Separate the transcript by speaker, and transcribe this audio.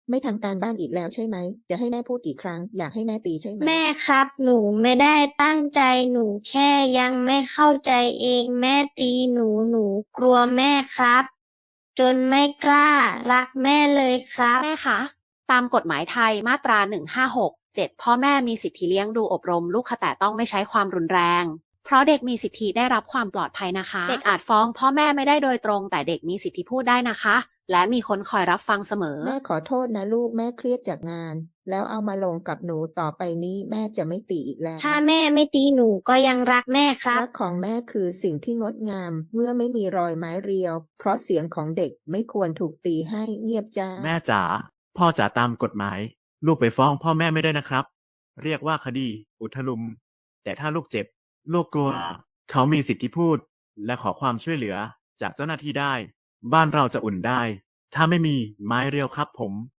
Speaker 1: ไม่ทำการบ้านอีกแล้วใช่ไหม จะให้แม่พูดกี่ครั้ง อยากให้แม่ตีใช่ไหม
Speaker 2: แม่ครับ หนูไม่ได้ตั้งใจ หนูแค่ยังไม่เข้าใจเอง แม่ตีหนู หนูกลัวแม่ครับ จนไม่กล้ารักแม่เลยครับ
Speaker 3: แม่คะ ตามกฎหมายไทยมาตรา 156(7) พ่อแม่มีสิทธิเลี้ยงดูอบรมลูกค่ะแต่ต้องไม่ใช้ความรุนแรง เพราะเด็กมีสิทธิได้รับความปลอดภัยนะคะ เด็กอาจฟ้องพ่อแม่ไม่ได้โดยตรง แต่เด็กมีสิทธิพูดได้นะคะ และมีคนคอยรับฟังเสมอ
Speaker 1: แม่ขอโทษนะลูก แม่เครียดจากงาน แล้วเอามาลงกับหนูต่อไปนี้แม่จะไม่ตีอีกแล้ว
Speaker 2: ถ้าแม่ไม่ตีหนูก็ยังรักแม่ครับ
Speaker 1: รักของแม่คือสิ่งที่งดงาม เมื่อไม่มีรอยไม้เรียว เพราะเสียงของเด็กไม่ควรถูกตีให้เงียบจ้า
Speaker 4: แม่จ๋า พ่อจ๋าตามกฎหมาย ลูกไปฟ้องพ่อแม่ไม่ได้นะครับ เรียกว่าคดี อุทลุม แต่ถ้าลูกเจ็บ ลูกกลัว เขามีสิทธิพูด และขอความช่วยเหลือจากเจ้าหน้าที่ได้ บ้านเราจะอุ่นได้ ถ้าไม่มีไม้เรียวครับผม